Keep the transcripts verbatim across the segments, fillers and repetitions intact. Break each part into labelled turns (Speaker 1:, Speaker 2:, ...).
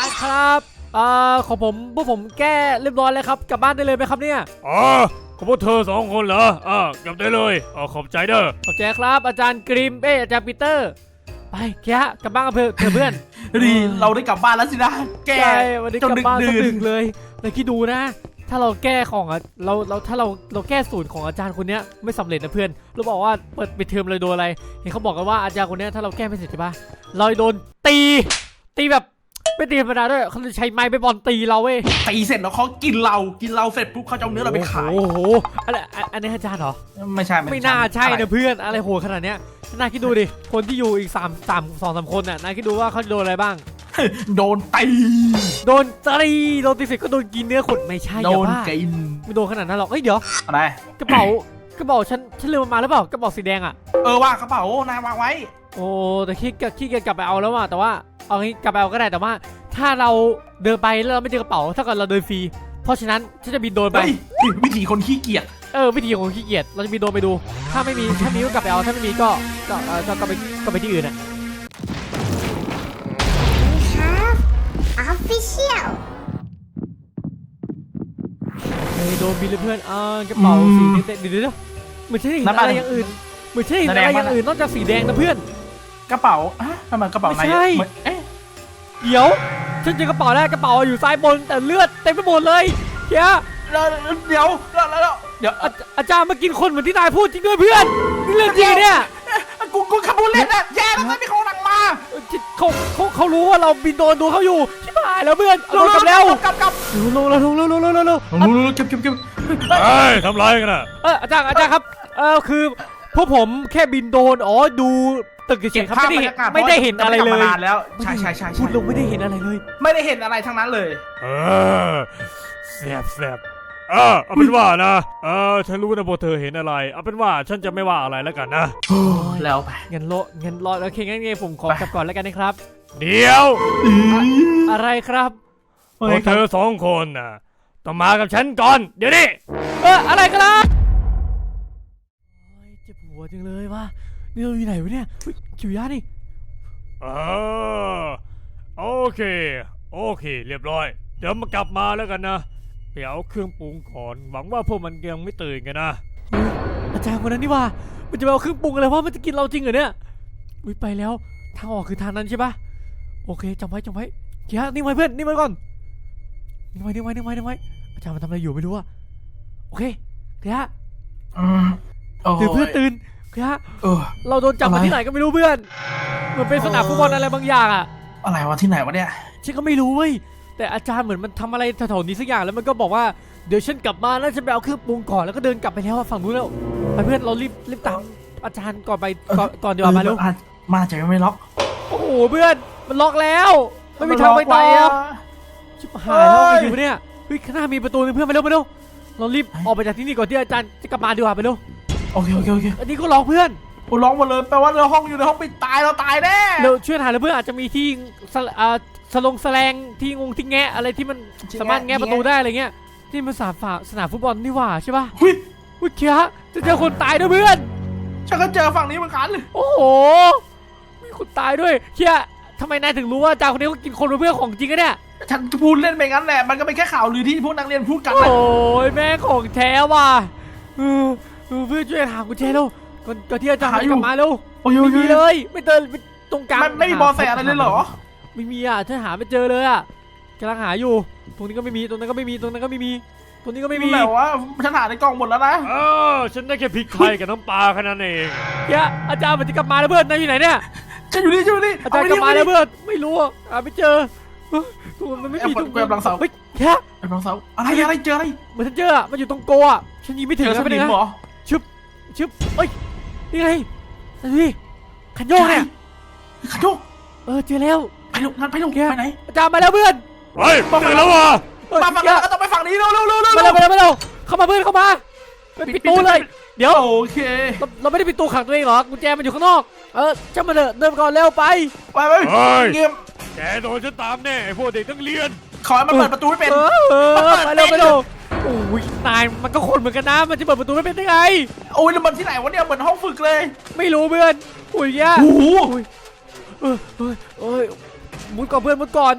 Speaker 1: ารย์ครับเอ่อของผมพวกผมแก้เรียบร้อยแล้วครับกลับบ้านได้เลยไหมครับเนี่ย
Speaker 2: อ๋อของพวกเธอสองคนเหรออ่ากลับได้เลยอ๋อขอบใจเด้อ
Speaker 1: ขอบใจครับอาจารย์กริมเอ้อาจารย์ปีเตอร์ไปแค่กลับบ้านกันเถอะเพื่อน
Speaker 3: ดีเราได้กลับบ้านแล้วสินะแก
Speaker 1: วันนี้กลับบ้านสดึกเลยเลยคิดดูนะถ้าเราแก้ของอ่ะเราเราถ้าเราเราแก้สูตรของอาจารย์คนนี้ไม่สำเร็จนะเพื่อนเราบอกว่าเปิดปิดเทอมเลยโดนอะไรเห็นเขาบอกกันว่าอาจารย์คนนี้ถ้าเราแก้ไม่เสร็จใช่ปะเราโดนตีตีแบบไม่ตีธรรมดาด้วยเขาจะใช้ไม้ไปบอลตีเราเว้ย
Speaker 3: ตีเสร็จแล้วเขากินเรากินเราเสร็จปุ๊บเขาจะเอาเนื้อเราไปขาย
Speaker 1: โอ้โหอะไรอันนี้อาจารย์เหรอ
Speaker 3: ไม่ใช่
Speaker 1: ไม่น่าใช่นะเพื่อนอะไรโหดขนาดเนี้ยนายคิดดูดิคนที่อยู่อีกสามสามสองสามคนน่ะนายคิดดูว่าเขาโดนอะไรบ้าง
Speaker 3: โดนตี
Speaker 1: โดนตีโดนตีเสร็จก็โดนกินเนื้อขดไม่ใช่
Speaker 3: โดนกิน
Speaker 1: ไม่โดนขนาดนั้นหรอกเฮ้ยเดี๋ยว
Speaker 3: อะไร
Speaker 1: กระเป๋ากระเป๋าฉันฉันลืมมาหรือเปล่ากระเป๋าสีแดงอ่ะ
Speaker 3: เออว่ากระเป๋านาย วางไว้
Speaker 1: โอ้แต่ขี้ขี้เกียจกลับไปเอาแล้วว่ะแต่ว่าเอางี้กลับไปเอาก็ได้แต่ว่าถ้าเราเดินไปแล้วเราไม่เจอกระเป๋าถ้าเกิดเราเดินฟรีเพราะฉะนั้นฉันจะบินโดรนไป
Speaker 3: วิธีคนขี้เกียจ
Speaker 1: เออวิธีของขี้เกียจเราจะบินโดรนไปดูถ้าไม่มีถ้ามีก็กลับไปเอาถ้าไม่มีก็ก็ก็ก็ไปก็ไปที่อื่นอ่ะ
Speaker 4: Official
Speaker 1: เฮ้ยโดนบินเลยเพื่อนอ่ากระเป๋าสีเด็ดเดี๋ยวเดี๋ยวเหมือนใช่อะไรอย่างอื่นเหมือนใช่อะไรอย่างอื่นนอกจากสีแดงนะเพื่อน
Speaker 3: กระเป๋าอ่ะทำไมกระเป๋าไหน
Speaker 1: เอ๊ะเดี๋ยวฉันเจอกระเป๋าแรกกระเป๋าอยู่ซ้ายบนแต่เลือดเต็มไปหมดเลยเฮ้ย
Speaker 3: เดี๋ยวแล้วแล้วเดี๋ยว
Speaker 1: อาจารย์มากินคนเหมือนที่นายพูดจริงด้วยเพื่อนนี่เรื่องจริงเนี่ย
Speaker 3: กูกูขับรถเล่นนะแย่แล้วไม่เขาหลังมา
Speaker 1: เขาเขาเขารู้ว่าเราบินโดนดูเขาอยู่ชิบหายแล้วเพื่อนลงกลับแล้ว
Speaker 3: กลับกลับ
Speaker 1: ลงแล้วลงแล้วลงแล้วลงแล้วลง
Speaker 3: เก็บเก็บเก็บ
Speaker 2: เฮ้ยทำไรกันน่ะ
Speaker 1: เอออาจารย์อาจารย์ครับเออคือพวกผมแค่บินโดนอ๋อดูตึกเฉยๆครับไม่ได้ไม่ได้เห็นอะไรเลย
Speaker 3: แล้วใช่ใช่ใช่
Speaker 1: พูดลงไม่ได้เห็นอะไรเลย
Speaker 3: ไม่ได้เห็นอะไรทั้งนั้นเลย
Speaker 2: เออแสบแสบเออเอาเป็นว่านะเออฉันรู้นะพวกเธอเห็นอะไรเอาเป็นว่าฉันจะไม่ว่าอะไรแล้วกันนะ
Speaker 3: แล้วไป
Speaker 1: เงินโลเงินรอโอเคงั้นไงผมขอกลับก่อนแล้วกันนะครับ
Speaker 2: เดี๋ยว
Speaker 1: อะไรครับ
Speaker 2: พวกเธอสองคนน่ะต้องมากับฉันก่อนเดี๋ยวนี้
Speaker 1: เอออะไรกันล่ะเจ็บหัวจังเลยว่ะนี่เราอยู่ไหนวะเนี่ยคิวยานี่
Speaker 2: เออโอเคโอเคเรียบร้อยเดี๋ยวมากลับมาแล้วกันนะเดี๋ยวเครื่องปรุงก่อนหวังว่าพวกมันยังไม่ตื่นกันนะ
Speaker 1: อาจารย์คนนั้นนี่ว่ามันจะเอาเครื่องปรุงอะไรวะมันจะกินเราจริงเหรอเนี่ยอุ้ยไปแล้วทางออกคือทางนั้นใช่ปะโอเคจำไว้จำไว้เกียร์นี่ไว้เพื่อนนี่ไว้ก่อนนี่ไว้นี่ไว้นี่ไว้นี่ไว้อาจารย์มันทำอะไรอยู่ไม่รู้อะโอเคเกียร์ตื่นเพื่อนตื่นเกียร์เราโดนจับมาที่ไหนก็ไม่รู้เพื่อนเหมือนเป็นสนามฟุตบอลอะไรบางอย่างอะ
Speaker 3: อะไรวะที่ไหนวะเนี่ย
Speaker 1: ฉันก็ไม่รู้เว้ยแต่อาจารย์เหมือนมันทำอะไรแถวๆนี้สักอย่างแล้วมันก็บอกว่าเดี๋ยวฉันกลับมาแล้วฉันไปเอาเครื่องปรุงก่อนแล้วก็เดินกลับไปแล้วฝั่งนู้นแล้วไปเพื่อนเรารีบรีบตามอาจารย์ก่อนไปก่อนก่อนเดี๋ยวมาเร็ว
Speaker 3: มาจะไม่ล็อก
Speaker 1: โอ้โหเพื่อนมันล็อกแล้วไม่มีทางไปต่อชิบหายแล้วไปอยู่เนี่ยเฮ้ยข้างหน้ามีประตูนึงเพื่อนไปเร็วไปเร็วเรารีบออกไปจากที่นี่ก่อนที่อาจารย์จะกลับมาดีกว่าไปเร็ว
Speaker 3: โอเคโอเคโอเค
Speaker 1: อันนี้ก็ล็อกเพื่อน
Speaker 3: โอ้ล็อกหมดเลยแปลว่าเราห้องอยู่ในห้องปิดตายเราตายแน่
Speaker 1: เร็วช่วยหาเลยเพื่อนอาจจะมีที่สลงแสลงที่งงที่แงะอะไรที่มันสามารถแงะประตูได้อะไรเงี้ยที่มันสนามฝาสนามฟุตบอลนี่หว่าใช่ป่ะ
Speaker 3: หุ้ย
Speaker 1: หุ้ยเคียจะเจอคนตายด้วยเพื่อน
Speaker 3: ฉันก็เจอฝั่งนี้เหมือนกัน
Speaker 1: โอ้โหมีคนตายด้วยเคียทำไมนายถึงรู้ว่าจ่าคนนี้เขากินคนเป็นเพื่อนของจริงกันเนี่ย
Speaker 3: ฉันพูดเล่นไปงั้นแหละมันก็เป็นแค่ข่าวลือที่พวกนักเรียนพูดกัน
Speaker 1: โอ้ยแม่ของแท้ว่ะเพื่อนช่วยหากุญแจแล้วก่อนที่อาจารย์จะกลับมาแล้วไม่มีเลยไม่เจอตรงกลาง
Speaker 3: ไม่มีบอลแสอะไรเลยเหรอ
Speaker 1: ไม่มีอ่ะฉันหาไม่เจอเลยอ่ะกำลังหาอยู่ตรงนี้ก็ไม่มีตรงนั้นก็ไม่มีตรงนั้นก็ไม่มีตรงนี้ก็ไม่มี
Speaker 3: แต่ว่าฉันหาในกล่องหมดแล้วนะ
Speaker 2: เออฉันได้แค่พริกไทยกับน้ำปลาแค่นั้นเอง
Speaker 1: เฮ้ยอาจารย์มันจะกลับมาแล้วเพื่อนนายอยู่ไหนเนี่ย
Speaker 3: ฉันอยู่นี่ฉันอยู่นี่
Speaker 1: อาจารย์กลับมาแล้วเพื่อนไม่รู้อ่ะหาไม่เจอตัวมันไม่มีตรง
Speaker 3: กลางเสา
Speaker 1: เฮ้ยแค่
Speaker 3: กลางเสาอะไรอะไรเจออะไร
Speaker 1: เหมือนฉันเจอมันอยู่ตรงโกอ่ะฉันยิงไม่ถึงแล้วเป็นไงชึบชึบเอ้ยนี่ไงนี่ขันโยกเนี่ย
Speaker 3: ขันโยก
Speaker 1: เออเจอแล้ว
Speaker 3: ไปลงงั้นไปลงไปไหน
Speaker 1: อาจารย์มาแล้วเพื่อน
Speaker 2: เฮ้ยมาแล้ววะ
Speaker 3: มาฝั่งนี้ก็ต้องไปฝั่งนี้เร็วเร็วเร็วเร็ว
Speaker 1: มาเร็วมาเร็วมาเร็วเข้ามาเพื่อนเข้ามาปิดตู้เลยเดี๋ยว
Speaker 3: โอเค
Speaker 1: เราไม่ได้ปิดตู้ขังตัวเองหรอกุญแจมันอยู่ข้างนอกเออช่างมันเถอะเดินก่อนเร็วไป
Speaker 3: ไปไปเงียบ
Speaker 2: แกโดนฉันตามแน่ไอ้พวกเด็กนักเรียน
Speaker 3: ขอให้มันเปิดประตูไม่เป็น
Speaker 1: มาเร็วมาเร็วโอ้ยนายมันก็คนเหมือนกันนะมันจะเปิดประตูไม่เป็นได้ไง
Speaker 3: โอ้ยแล้วมันที่ไหนวะเนี่ยเหมือนห้องฝึกเลย
Speaker 1: ไม่รู้เพื่อนอุ้ยแย่
Speaker 3: โอ้โห
Speaker 1: เออเออเออมุดก่อนเพื่อนมุดก่อน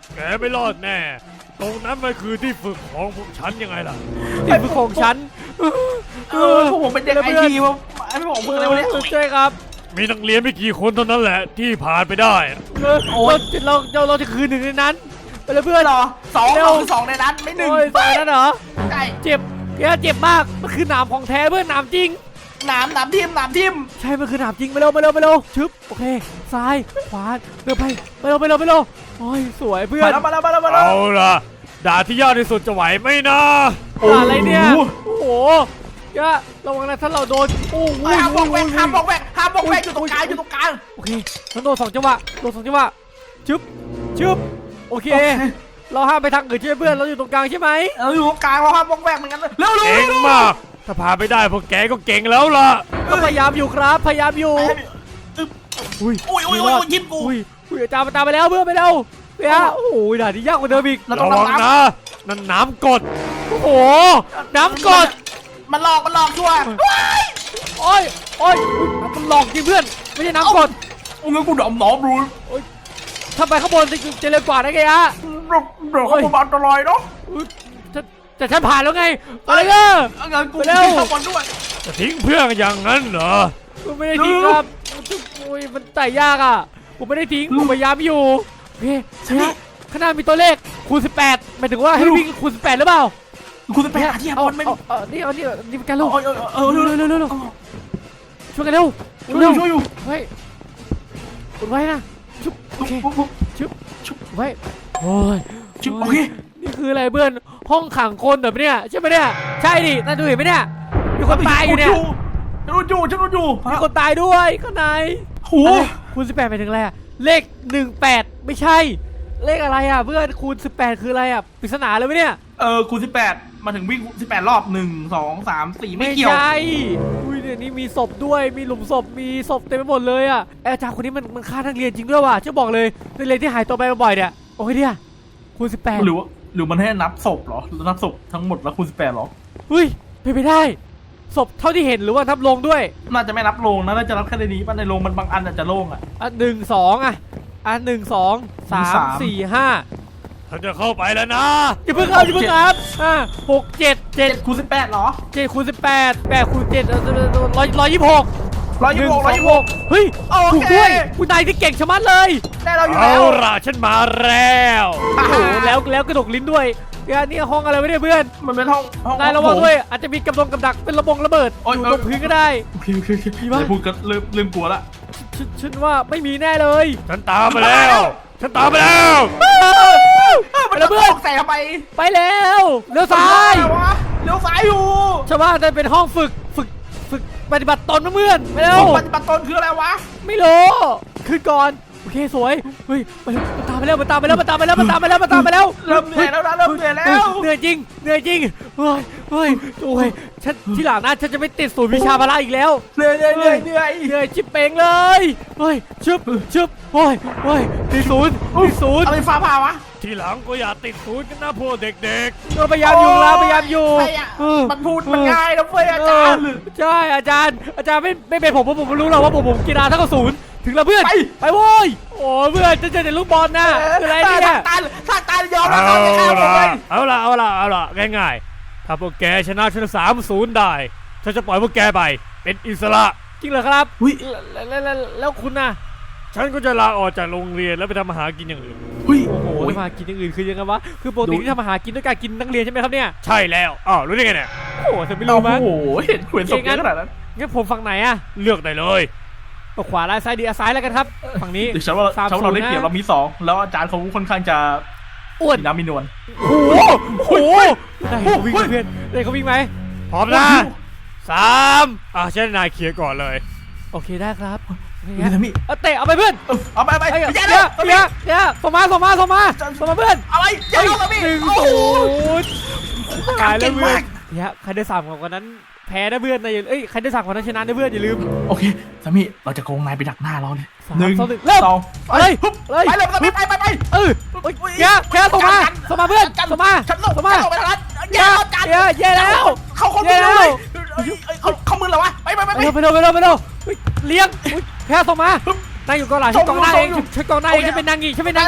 Speaker 2: แกไม่รอดแน่ตรงนั้นมันคือที่ฝึกของพวกฉันยังไงล่ะ
Speaker 1: นี่เป็นของฉัน
Speaker 3: เออพวกผมเป็นเด็กไอทีว่าไอ้พวกผมเพิ่งอะไรวะเนี่ย
Speaker 1: ใช่ครับ
Speaker 2: มีนักเรียนไม่กี่คนเท่านั้นแหละที่ผ่านไปได้
Speaker 1: เออเราเราเราจะคืนหนึ่งในนั้นไปเลยเพื่อน
Speaker 3: เหรอสอง
Speaker 1: เร็ว
Speaker 3: เราคือสองในนั้นไม่หนึ่ง
Speaker 1: โอ้ยตายแล้วเหรอ
Speaker 3: ใช่
Speaker 1: เจ็บแกเจ็บมากมันคือหนามของแท้เพื่อนหนามจริง
Speaker 3: หนามหนามทิมหนามทิม
Speaker 1: ใช่มันคือหนามจริงไปเร็วไปเร็วไปเร็วชึบโอเคซ้ายขวาเร็วไปไปเร็วไปเร็วไปเร็วโอ้ยสวยเพื่อ
Speaker 3: มาน แล้วมาแล้วมาแล้วมาแล้ว
Speaker 2: เอาล่ะด่านที่ยากที่สุดจะไหวไหมนะ
Speaker 1: อะไรเนี่ยโอ้โหแกระวังนะถ้าเราโดนโอ้โห
Speaker 3: ห้ามบอกแวกห้ามบอกแวกห้ามบอกแวกอยู่ตรงกลางอยู่ตรงกลาง
Speaker 1: โอเคฉันโดนสองจังหวะโดนสองจังหวะชึบชึบโอเค เราห้ามไปทางอื่นใช่ไหมเพื่อนเราอยู่ตรงกลางใช่ไหม
Speaker 3: เอออยู่ตรงกลางเราห้ามบอกแวกเหมือนกันเลยเร็วเร็ว
Speaker 2: เก่งมากถ้าพาไปได้พวกแกก็เก่งแล้วล่ะ
Speaker 1: ก็พยายามอยู่ครับพยายามอยู่
Speaker 3: อุ้ยอุ้ยอุ้ยอุ้ยยิ้มกู
Speaker 1: อุ้ยอุ้ยอาจารย์มาตามไปแล้วเพื่อนไปเร็วเฮ้ยโอ้โหด่านนี้ยากกว่าเดิมอีก
Speaker 3: เราต้อ
Speaker 2: ระ
Speaker 3: ง
Speaker 2: วัง
Speaker 3: น้ำ
Speaker 2: นะนั่นน้ำกรด
Speaker 1: โอ้โหน้ำกด
Speaker 3: มันหลอกมันหลอกชัวร์
Speaker 1: โอ้ยโอ้ยอุ๊ยมันหลอกจริงเพื่อนไม่ใช่น้ำกด
Speaker 3: โอ้ยงั้นกูดำหนอมรู้
Speaker 1: ถ้าไปข้างบนจะจะเร็วกว่าได้ไงอะ
Speaker 3: เดี๋ยวเขาบอกอันตรายเนาะ
Speaker 1: อุ๊ยแต่แต่ฉันผ่านแล้วไงไปเลยเออ
Speaker 3: งั้นกู
Speaker 1: ไปเร็ว
Speaker 3: เข้าบอลด้วย
Speaker 2: จะทิ้งเพื่อนอย่างนั้นเหรอ
Speaker 1: ผมไม่ได้ทิ้งครับโอ้ยมันไต่ยากอ่ะผมไม่ได้ทิ้งผมพยายามอยู่โอเคเนี่ยข้างหน้ามีตัวเลขคูณสิบแปดหมายถึงว่าให้วิ่งคูณสิบแปดหรือเปล่า
Speaker 3: กูจะไปหาที่หา
Speaker 1: เอา
Speaker 3: บอลไม่
Speaker 1: เอาเอานี่เอานี่นี่เป็นการลูก
Speaker 3: เออเออ
Speaker 1: เร็วเร็วเร็วเร็วเร็วช่วยกันเร็ว
Speaker 3: ช่วยอ
Speaker 1: เร็
Speaker 3: ยู่
Speaker 1: ว
Speaker 3: ช่วยอยู่
Speaker 1: เฮ้ยกดไว้นะชุบโอเคชุบชุบไว้โอ้ย
Speaker 3: ชุบโอเค
Speaker 1: นี่คืออะไรเพื่อนห้องขังคนแบบเนี้ยใช่ไหมเนี่ยใช่ดิน่าดูเห็นไหมเนี่ยมีคนตายอยู่เนี่ย
Speaker 3: ฉันรู้อยู่ฉันรู้อยู่
Speaker 1: มีคนตายด้วยข้างใน
Speaker 3: โอ้
Speaker 1: อะไรคูณสิบแปดหมายถึงอะไรอะเลขหนึ่งแปดไม่ใช่เลขอะไรอ่ะเพื่อนคูณสิบแปดคืออะไรอ่ะปริศนาเลยไหมเนี่ย
Speaker 3: เออคูณสิบแปดมาถึงวิ่งสิบแปดรอบหนึ่งสองสามสี่ไม่เกี่ยว
Speaker 1: ใช่อุ้ยเนี่ยนี่มีศพด้วยมีหลุมศพมีศพเต็มไปหมดเลยอ่ะไอ้อาจารย์คนนี้มันมันฆ่านักเรียนจริงด้วยว่ะจะบอกเลยนักเรียนที่หายตัวไปบ่อยๆเนี่ยโอ้ยเนี่ยคูณสิบแปด
Speaker 3: หรือว่าหรือมันให้นับศพเหรอนับศพทั้งหมดแล้วคูณสิบแปดหรอ
Speaker 1: เฮ้ยเป็นไปได้ศพเท่าที่เห็นหรือว่านับลงด้วย
Speaker 3: น่าจะไม่นับโรงนะน่าจะนับแค่ในนี้ป่ะในโรงมันบางอันอาจจะโล่งอ่ะ
Speaker 1: อ่ะหนึ่งสองอ่ะอ่ะหนึ่งสองสาม
Speaker 3: สาม
Speaker 1: สี่ห้า
Speaker 2: ถ้าจะเข้าไปแล้วนะ
Speaker 1: อย่าเพิ่งเอาอย่าเพิ่งครับอ่ะหกเจ็ดเจ็
Speaker 3: เจ็
Speaker 1: ด
Speaker 3: ดคูณสิบแปดเหรอ
Speaker 1: เจ็ดคูณสิบแปดแปดคูณเจ็ดร้อยร้อยยี่สิบหก
Speaker 3: ร้อยยี่สิบหกร้อยยี่สิบหก
Speaker 1: เฮ้ย
Speaker 3: โอเค
Speaker 1: ถูกด้วยคุณนายที่เก่งชะมัดเลย
Speaker 3: ได้เราอยู่
Speaker 2: เอา
Speaker 3: แล้ว
Speaker 2: ล่ะฉันมาแล้ว
Speaker 1: โอ้โหแล้วแล้วกระดกลิ้นด้วยเนี่ยนี่ห้องอะไรไม่ได้เพื่อน
Speaker 3: มันเป็นห้องห้อง
Speaker 1: นายระวังด้วยอาจจะมีกำลังกับดักเป็นระบงระเบิด
Speaker 3: โอ๊ย
Speaker 1: อยู่ตรงพื้นก็ได้
Speaker 3: โอเคโอเคโอเค
Speaker 1: มีปะ
Speaker 3: เลยพูดก็เริ่มเริ่มกลัวละ
Speaker 1: ฉันฉันว่าไม่มีแน่เลย
Speaker 2: ฉันตามมาแล้ว ฉันตามมาแล้ว
Speaker 3: เออมันจะตกใส่ทำไม
Speaker 1: ไปแล้วเลี้ยวซ้าย
Speaker 3: อะไรวะเลี้ยวซ้ายอยู่
Speaker 1: ชาวบ้านนั่นเป็นห้องฝึกฝึกฝึกปฏิบัติตนนะเพื่อนไปเร็ว
Speaker 3: ปฏิบัติตนคืออะไรวะ
Speaker 1: ไม่รู้ขึ้นก่อนโอเคสวยเฮ้ยไปมันตามไปแล้วมันตามไปแล้วมันตามไปแล้วมันตามไปแล้วมันตามไปแล้ว
Speaker 3: เริ่มเหนื่อยแล้วนะเริ่มเหนื่อยแล้ว
Speaker 1: เหนื่อยจริงเหนื่อยจริงเฮ้ยเฮ้ยโอ้ยฉันที่หลังนะฉันจะไม่ติดศูนย์วิชาพละอีกแล้ว
Speaker 3: เหนื่อยเหนื่อยเหนื่อยเหนื่อย
Speaker 1: เหนื่อยชิบเป่งเลยเฮ้ยชึบชึบโอ้ยโอ้ยตีศูนย์ตีศูนย์
Speaker 3: อะไรฟ้าผ่าวะ
Speaker 2: ทีหลังก็อย่าติดศูนย์กันนะพวกเด็ก
Speaker 1: ก็พยายามอยู่แล้วพยายามอยู่
Speaker 3: ใช่อะ
Speaker 1: เออ
Speaker 3: มันพูดมันง่ายนะเว้ยอาจารย์
Speaker 1: เออใช่อาจารย์อาจารย์ไม่ไม่เป็นผมเพราะผมไม่รู้หรอกว่าผมผมกีฬาเท่ากับศูนย์ถึงแล้วเพื่อน
Speaker 3: ไป
Speaker 1: ไปโว้ยโอ้เพื่อนจะเจอแต่ลูกบอลนะคืออะไรเนี่ย
Speaker 3: ตายถ้าตายยอม
Speaker 2: ๆ
Speaker 3: แล้ว
Speaker 2: เอา
Speaker 3: ครับอย่าฆ่าผม
Speaker 2: ล่ะ
Speaker 3: เลย
Speaker 2: เอาล่ะเอาล่ะเอาล่ะง่ายๆ ถ้าพวกแกชนะฉันสามศูนย์ได้ ฉันจะปล่อยพวกแกไป เป็นอิสระ
Speaker 1: จริงเหรอครับ
Speaker 3: หุ้ย
Speaker 1: แล้วแล้วแล้วแล้วคุณน่ะ
Speaker 2: ฉันก็จะลาออกจากโรงเรียนแล้วไปทำอาหารกินอย่างอื่น
Speaker 3: หุ้ย
Speaker 1: โอ้โห
Speaker 3: โอ้ย
Speaker 1: มากินอย่างอื่นคือยังไงวะคือปกติที่ทำอาหารกินด้วยการกินนักเรียนใช่ไหมครับเนี่ย
Speaker 2: ใช่แล้วอ้าวรู้ได้ไงเนี่ย
Speaker 1: โอ้โหเธอไม่รู้มั้ง
Speaker 3: โอ้โหเห็นขวนศพเยอะขนาดนั้น
Speaker 1: งั้นผมฝั่งไหนอะ
Speaker 2: เลือกได้เลย
Speaker 1: เอาขวาล่างซ้ายดีเอาซ้ายแล้วกันครับฝั่งนี้
Speaker 3: เดี๋ยวฉันว่า
Speaker 1: สาม
Speaker 3: ฉันว่าเราได้
Speaker 1: ศูนย์นะ
Speaker 3: เปรียบเรามีสองแล้วอาจารย์เขาค่อนข้างจะ
Speaker 1: อ้วน
Speaker 3: มีน้ำมีนวล
Speaker 1: โอ้โหโอ้โหได้เขาวิ่งไหมเพื่อนได้เขาวิ่งไหม
Speaker 2: พร้อมนะสามอ่ะฉันให้นายเคลียร์ก่อนเลย
Speaker 1: โอเคได้ครับโอเค
Speaker 3: นี่
Speaker 1: งั้น
Speaker 3: นะมี่
Speaker 1: เอาเตะเอาไปเพื่อน
Speaker 3: เออเอาไปเอาไป
Speaker 1: ไอ้
Speaker 3: อย่า
Speaker 1: เดี๋
Speaker 3: เลย
Speaker 1: วยเดี๋ยวเดี๋ยวส่งมาส่งมาส่งมาส่งมาเพื่อน
Speaker 3: อะไรอย่าเลยมี่
Speaker 1: หนึ่ง
Speaker 3: โอ้
Speaker 1: ศู
Speaker 3: โห
Speaker 1: นย์
Speaker 3: กา
Speaker 1: ตาย
Speaker 3: ร
Speaker 1: แล้
Speaker 3: เก่
Speaker 1: ว
Speaker 3: ง
Speaker 1: เพื่อ
Speaker 3: มาน ก
Speaker 1: เดี๋ยวใครได้สามกว่านั้นแพ้นะเพื่อนนะอย่าเอ้ยใครได้สามกว่านั้นชนะนะเพื่อนอย่าลืม
Speaker 3: โอเคสามีเราจะโกงนายไปดักหน้าเราเลย
Speaker 1: สาม
Speaker 3: หนึ่ง
Speaker 1: สองหนึ่งเริ่ม
Speaker 3: สอง
Speaker 1: เอาเลย
Speaker 3: ปุ๊บ
Speaker 1: เลย
Speaker 3: ไปเลยสามีไปไปไป
Speaker 1: เออโอ้ยแกแกส่งมาส่งมาเพื่อนส่งมา
Speaker 3: ฉันส่ง
Speaker 1: ส่งมา
Speaker 3: ฉันส่งไปทางนั้น
Speaker 1: แก
Speaker 3: อย่าอาจารย์
Speaker 1: แกแย่แล้ว
Speaker 3: เขาเขา
Speaker 1: แย่
Speaker 3: มือ
Speaker 1: แล้ว
Speaker 3: เลยเขาเขามือเหรอวะไปไปไป
Speaker 1: ไป
Speaker 3: ไป
Speaker 1: เร็วไปเร็วไปเร็วไปเร็วเฮ้ยเลี้ยงอุ๊ยแพ้ส่งมา
Speaker 3: ฮึบ
Speaker 1: นายอยู่กองหลังฉันกองหน้าเอง
Speaker 3: ส่งอยู่
Speaker 1: ฉันกองหน้าเอง
Speaker 3: เอา
Speaker 1: ฉันเป็นนางงีฉันเป็นนางงีส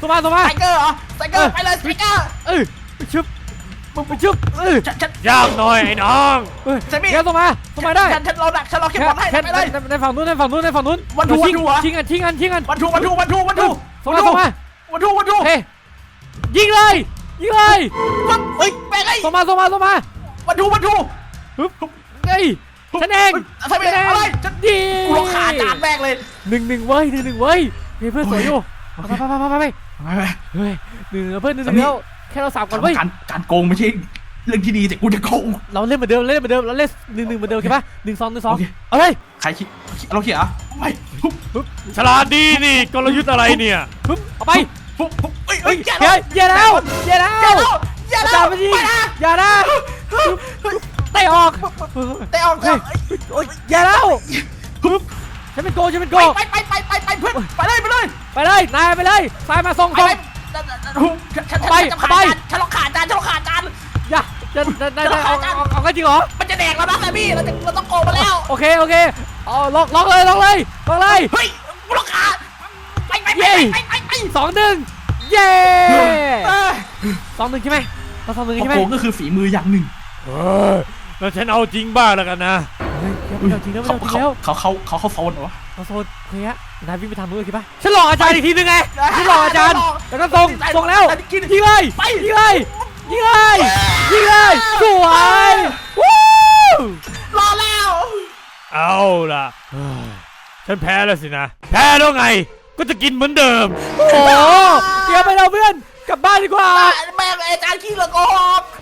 Speaker 1: ส่งมาส่งมา
Speaker 3: ไทเกอร์เหรอไทเกอร์ไปเลยไทเกอร์
Speaker 1: เออไปชึบมึงไปชึบเออ
Speaker 3: ฉันฉัน
Speaker 2: ยากหน่อยไอ้น้อง
Speaker 1: เออ
Speaker 3: แซมมี่
Speaker 1: แกส่งมาส่งมาได้
Speaker 3: ฉันฉันรอดักฉันรอเก็บบอลให้
Speaker 1: แค่
Speaker 3: ไปเลย
Speaker 1: ในในฝั่งนู้นในฝั่งนู้นในฝั่งนู้น
Speaker 3: วันทู
Speaker 1: ชิง
Speaker 3: วันทูเหรอ
Speaker 1: ชิงกันชิงกันชิงกัน
Speaker 3: วันทูวันทูวันทูวันทู
Speaker 1: ส่งมาส่งมา
Speaker 3: วันทูวันทู
Speaker 1: เฮ้ยยิงเลยยิงเลย
Speaker 3: ปั๊บเฮ้ยแม่งไอ้
Speaker 1: ส่งมาส่งมาส่งมา
Speaker 3: วันทูวันทู
Speaker 1: ฮึบเฮ้ยฉันเอง
Speaker 3: ทำไม
Speaker 1: ฉันเอง
Speaker 3: อะไรฉัน
Speaker 1: ดี
Speaker 3: กูรอขาจานแม่งเลย
Speaker 1: หนึ่งหนึ่งเว้ยหนึ่งหนึ่งเว้ยเฮ้ยเพื่อนสวยอยู่
Speaker 3: โอ
Speaker 1: ไป
Speaker 3: เค
Speaker 1: ไปไปไปไป
Speaker 3: ไปไป
Speaker 1: เฮ้ยหนึ่งเพื่อนหนึ่งห
Speaker 3: สา
Speaker 1: นึ่ง
Speaker 3: มี
Speaker 1: แล้วแค่เราสามก่อนเว้ย
Speaker 3: การการโกงไม่ใช่เรื่องที่ดีแต่กูจะโกง
Speaker 1: เราเล่นเหมือนเดิมเล่นเหมือนเดิมเราเล่นหนึ่งหนึ่งเหมือนเดิมโอเคปะหนึ่งสองหนึ่งสอง
Speaker 3: โอเค
Speaker 1: เอาเลย
Speaker 3: ใครคิดเราเขียนอ่ะไม่ปุ๊บ
Speaker 1: ปึ๊บ
Speaker 2: ฉลาดดีนี่กลยุทธ์อะไรเนี่ย
Speaker 1: ปึ๊บเอาไป
Speaker 3: ปุ๊บปุ๊บเฮ้ย
Speaker 1: เฮ้
Speaker 3: เฮ้
Speaker 1: ย
Speaker 3: ย
Speaker 1: อย่าอย่าแล้วอย่าแล้ว
Speaker 3: อย่าแล้วอย่า
Speaker 1: อา
Speaker 3: แล้
Speaker 1: จาว รย์ไม่ยิง
Speaker 3: ไปนะ
Speaker 1: อย่านะเตะออก
Speaker 3: แต่ออก
Speaker 1: เฮ้ยโอ๊ยอย่าแล้วปึ๊บฉันเป็นโกฉันเป็นโก
Speaker 3: ไปไปไปไปไปเพื่อนไปเลยไปเลย
Speaker 1: ไปเลยนายไปเลยซ้ายมาส่ง
Speaker 3: ไป
Speaker 1: ส่ง
Speaker 3: เลยฉันฉัน
Speaker 1: ไป
Speaker 3: จะขาด
Speaker 1: ไป
Speaker 3: จานฉันล็อกขาดจานฉันล็อกขาดจาน
Speaker 1: อย่าจะจะได้ได้เอาเอาเอาก็จริงเหรอ
Speaker 3: มันจะแดกแล้วนะแซมมี่เราจะเราต้องโกงมาแล้ว
Speaker 1: โอเคโอเคเอาล็อกล็อกเลยล็อกเลยล็อกเลย
Speaker 3: เฮ้ยกูล็อกขาไปไปไปไปไปไป
Speaker 1: สองหนึ่งเย้
Speaker 3: เออ
Speaker 1: สองหนึ่งใช่ไหมเราสองหนึ่งใช่ไหม
Speaker 3: โกงก็คือฝีมืออย่างหนึ่ง
Speaker 2: เออแล้วฉันเอาจริงบ้างแล้วกันนะ
Speaker 1: เฮ้ยไม่เอาจริงแล้วไม่
Speaker 3: เขา
Speaker 1: เอาจริงแล้ว
Speaker 3: เขาเขาเขาเขาโซนเหรอ
Speaker 1: เราโซนโอเคฮะนายวิ่งไปทางนู้นเลยคิดปะฉันหลอกอาจารย์อีกทีนึงไงฉันหลอกอาจารย์แล้วก็ส่งส่งแล้วยิงเลยยิงเลยยิงเลยยิงเลยสวยวู้
Speaker 3: รอแล้ว
Speaker 2: เอาล่ะเฮ้ยฉันแพ้แล้วสินะ แพ้แล้วไง ก็จะกินเหมือนเดิม
Speaker 1: โอ้โหเดี๋ยวไปเราเพื่อนกลับบ้านดีกว่า
Speaker 3: แม่งอาจารย์ขี้เหลือโกหก